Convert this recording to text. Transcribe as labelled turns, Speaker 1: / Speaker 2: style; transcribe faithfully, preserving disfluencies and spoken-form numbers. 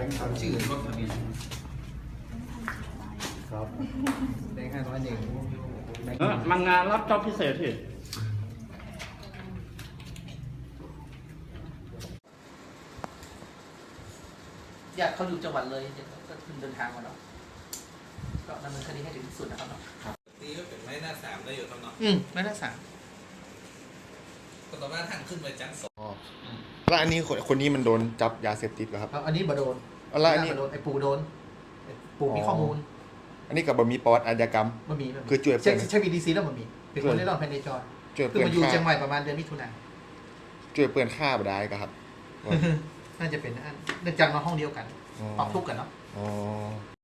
Speaker 1: งค์สามชื่อรถทะเบียนครับแบงค์ห้าร้อยหนึ่ง
Speaker 2: เออมางานรับจ็อบพิเศษที่
Speaker 3: ญาติเขาอยู่จังหวัดเลยก็เพิ่งเดินทางมาเนาะก็ดำเนินคดีให้ถึงที่สุดนะครับเนาะ
Speaker 4: นี่ก็เป็นไม้หน้าสามได้อยู่ครับเนาะ
Speaker 3: อืมไม่ได้สาม
Speaker 4: ก็ต่อมาทางขึ้นไปชั้นสอง
Speaker 5: แล้วอันนี้คนคนนี้มันโดนจับยาเสพติดเหรอครับ
Speaker 3: แล้วอันนี้บโดน
Speaker 5: แล้วอันนี้
Speaker 3: บโดนไอ้ปู่โดนไอ้ปู่มีข้อมูล
Speaker 5: อันนี้กับบมีประวัติอาชญากรรม
Speaker 3: มันมีมันมี
Speaker 5: คือช่วยเพื่
Speaker 3: ใช่
Speaker 5: อน
Speaker 3: ใช่บีดีซีแล้วมันมีเป็นคนเล่ร่อนภายในจอ
Speaker 5: ช่วย
Speaker 3: คือ
Speaker 5: เพื่อน
Speaker 3: มาอยู่
Speaker 5: ฆ่า
Speaker 3: เชียงใหม่ประมาณเดือนมิถุนายน
Speaker 5: ช่วยเพื่อนฆ่าบ่ได้ก็ครับ
Speaker 3: น่าจะเป็นอันเนื่องจากมาห้องเดียวกัน
Speaker 5: อ๋อ
Speaker 3: ปรับทุกข์กันเนาะ
Speaker 5: อ๋อ